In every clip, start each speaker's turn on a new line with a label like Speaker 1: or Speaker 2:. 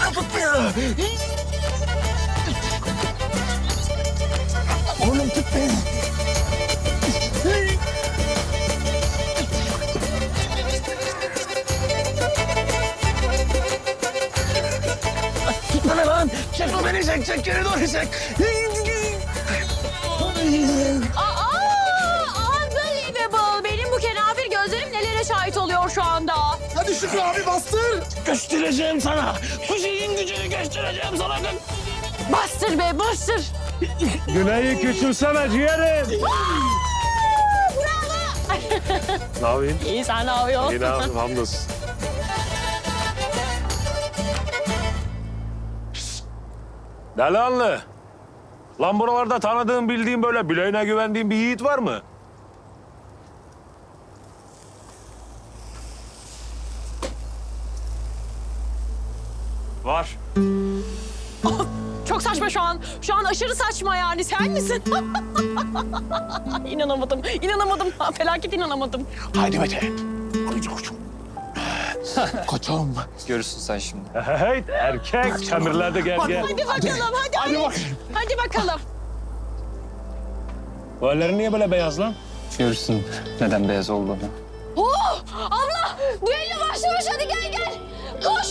Speaker 1: tutmuyor. Oğlum tut beni. Tutma lan. Çek o beni çek geri doğru çek.
Speaker 2: Unbelievable. Benim bu kenafir gözlerim nelere şahit oluyor şu anda.
Speaker 1: Hadi Şükrü abi bastır. Göstereceğim sana. Bu şeyin gücünü göstereceğim sana.
Speaker 2: Bastır be bastır.
Speaker 3: Güney'i küçülseme ciğerim. Ne yapayım?
Speaker 2: İyi sen ne yapıyorsun?
Speaker 3: İyi ne yapayım hamdolsun. Delanlı. Lan buralarda tanıdığım, bildiğim böyle bileğine güvendiğim bir yiğit var mı? Var.
Speaker 2: Çok saçma şu an. Şu an aşırı saçma yani. Sen misin? İnanamadım. Felaket inanamadım.
Speaker 1: Haydi Mete. Haydi koçum. Koçum.
Speaker 4: Görürsün sen şimdi.
Speaker 3: Hey erkek. Çamirlerde gel gel.
Speaker 2: Hadi bakalım. Hadi bakalım.
Speaker 3: Bu ellerin niye böyle beyaz lan?
Speaker 4: Görürsün neden beyaz olduğunu.
Speaker 2: Oh! Abla! Düello başlamış. Hadi gel. Koş.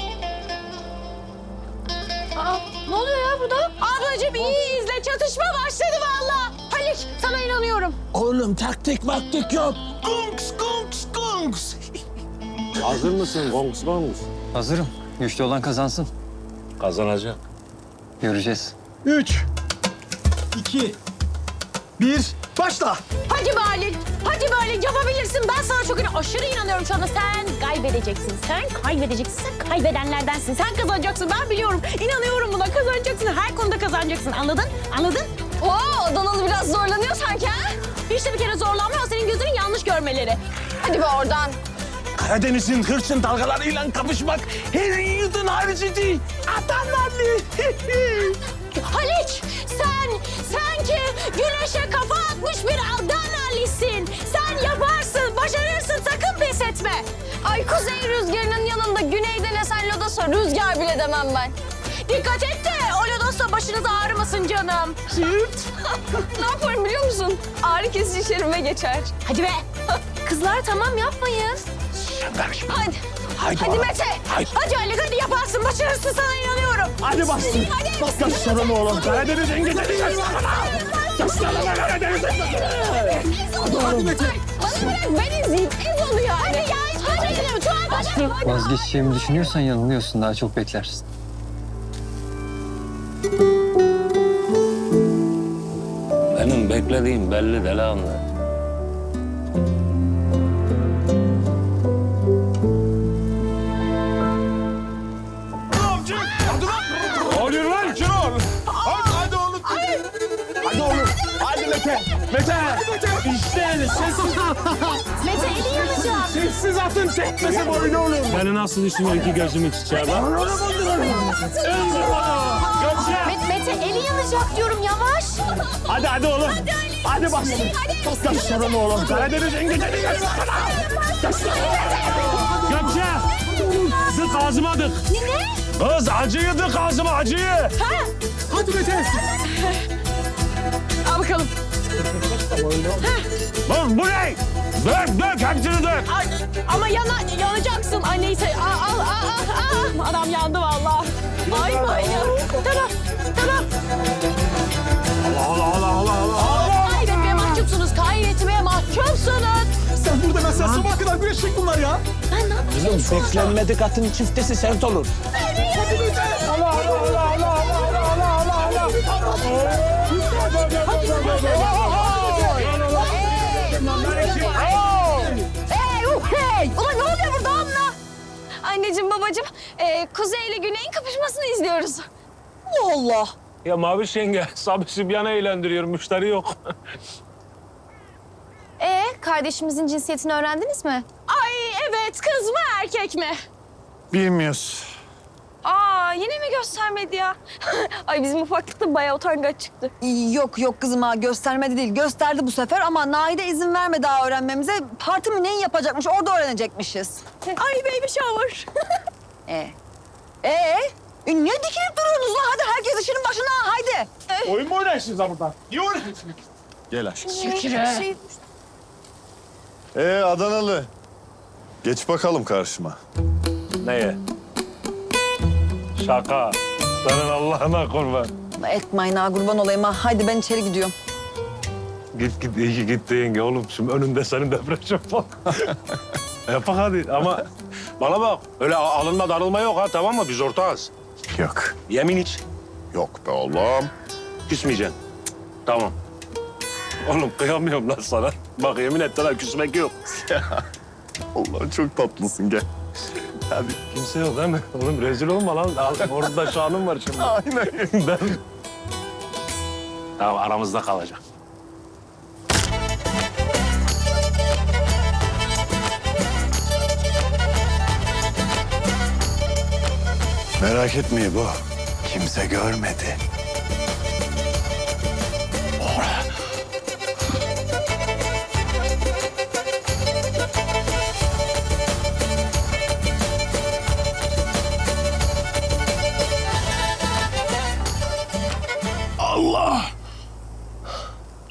Speaker 2: Aa, ne oluyor ya burada? Ablacığım iyi izle. Çatışma başladı vallahi. Halik sana inanıyorum.
Speaker 1: Oğlum taktik maktik yok. Kunks.
Speaker 3: Hazır mısın? Kongs.
Speaker 4: Hazırım. Güçlü olan kazansın.
Speaker 3: Kazanacak.
Speaker 4: Göreceğiz.
Speaker 1: 3, 2, 1, başla.
Speaker 2: Hadi Halil. Yapabilirsin. Ben sana çok aşırı inanıyorum şu anda. Sen kaybedeceksin. Sen kaybedenlerdensin. Sen kazanacaksın. Ben biliyorum. İnanıyorum buna. Kazanacaksın. Her konuda kazanacaksın. Anladın? Oo, Adanalı biraz zorlanıyor sanki ha? Hiç de bir kere zorlanmıyor. Senin gözünün yanlış görmeleri. Hadi be oradan.
Speaker 1: Karadeniz'in hırçın dalgalarıyla kapışmak her yiğidin harcı değil. Adamlarlı.
Speaker 2: Haliç, sen ki güneşe kafa atmış bir Adanalisin. Sen yaparsın, başarırsın, sakın pes etme. Ay kuzey rüzgarının yanında güneyden esen lodosa rüzgar bile demem ben. Dikkat et de o lodosa başınız ağrımasın canım. Ne yaparım biliyor musun? Ağrı kesici şerime geçer. Hadi be. Kızlar tamam yapmayın.
Speaker 1: Sen karışma.
Speaker 2: Hadi. Hadi
Speaker 1: oğlum.
Speaker 2: Mete.
Speaker 1: Haydi.
Speaker 2: Hadi Ali hadi yaparsın, başarırsın sana inanıyorum.
Speaker 1: Hadi bastır.
Speaker 2: Hadi.
Speaker 1: Bas canım oğlum. Karadeniz'in gideceğiz. Gösterme Karadeniz'in. Hadi Mete.
Speaker 2: Bana bırak ben izleyeyim. Ez oluyor. Hadi ya. Hadi gidelim. Hadi.
Speaker 4: Vazgeçeceğimi düşünüyorsan yanılıyorsun. Daha çok beklersin.
Speaker 3: Benim beklediğim belli Delanlı. Ne oluyor lan Şenol?
Speaker 1: Hadi oğlum. Hadi oğlum. Hadi Mete. Mete. İşte sessiz.
Speaker 2: Mete eli yanacağım.
Speaker 1: Sessiz atın tekmesi boyunu oğlum.
Speaker 3: Beni nasıl düşünüyor iki gözümün çiçeği lan?
Speaker 2: Mete eli yanacak diyorum yavaş.
Speaker 1: Hadi oğlum. Hadi bas. Bas canım oğlum. Karadeniz'in gideceğiz.
Speaker 3: Gökçe! Dık ağzıma dık.
Speaker 2: Ne?
Speaker 3: Kız acıyı dık ağzıma acıyı.
Speaker 1: Hadi Mete.
Speaker 2: Al bakalım.
Speaker 3: Lan bu ne? Dök hepsini dök.
Speaker 2: Ay, ama yanacaksın. Ay neyse. Al. Adam yandı vallahi. Ay manyak. Tamam.
Speaker 3: Allah.
Speaker 2: Kaybetmeye mahcupsunuz.
Speaker 1: Sen burada mesela sabaha kadar güreşecek bunlar ya.
Speaker 2: Ben ne yapayım?
Speaker 1: Kızım sekslenmedik atın çiftesi sert olur. Hadi Mete.
Speaker 2: Hey! Ulan ne oluyor burada abla? Anneciğim, babacığım, Kuzey ile Güney'in kapışmasını izliyoruz. Allah Allah.
Speaker 3: Ya Maviş yenge, Sabri Sübyan'ı eğlendiriyor, müşteri yok.
Speaker 5: Kardeşimizin cinsiyetini öğrendiniz mi?
Speaker 2: Ay evet, kız mı erkek mi?
Speaker 1: Bilmiyoruz.
Speaker 2: Aa yine mi göstermedi ya? Ay bizim ufaklıkta bayağı utangaç çıktı.
Speaker 6: Yok kızım ha göstermedi değil. Gösterdi bu sefer ama Naide izin vermedi daha öğrenmemize. Parti mi neyi yapacakmış orada öğrenecekmişiz.
Speaker 2: Ay baby shower.
Speaker 6: Niye dikilip duruyorsunuz lan? Hadi herkes işinin başına haydi.
Speaker 1: Oyun mu oynarsınız ha burada? Niye oynarsınız?
Speaker 3: Gel aşkım.
Speaker 7: Adanalı. Geç bakalım karşıma.
Speaker 3: Neye? Şaka. Senin Allah'ına kurban.
Speaker 6: Etmeyin ha kurban olayım ha. Haydi ben içeri gidiyorum.
Speaker 3: Git iyi ki gitti yenge oğlum. Şimdi önünde senin depresyon falan. Yapak hadi ama bana bak öyle alınma darılma yok ha tamam mı? Biz ortağız.
Speaker 7: Yok.
Speaker 3: Yemin iç.
Speaker 7: Yok be oğlum.
Speaker 3: Küsmeyeceksin. Cık, tamam. Oğlum kıyamıyorum lan sana. Bak yemin et lan küsmek yok.
Speaker 7: Allah çok tatlısın gel. Hadi.
Speaker 3: Kimse yok değil mi? Oğlum rezil olma lan. Orada şanım var şimdi.
Speaker 7: Aynen.
Speaker 3: Ben... Tamam aramızda kalacak.
Speaker 7: Merak etme bu. Kimse görmedi.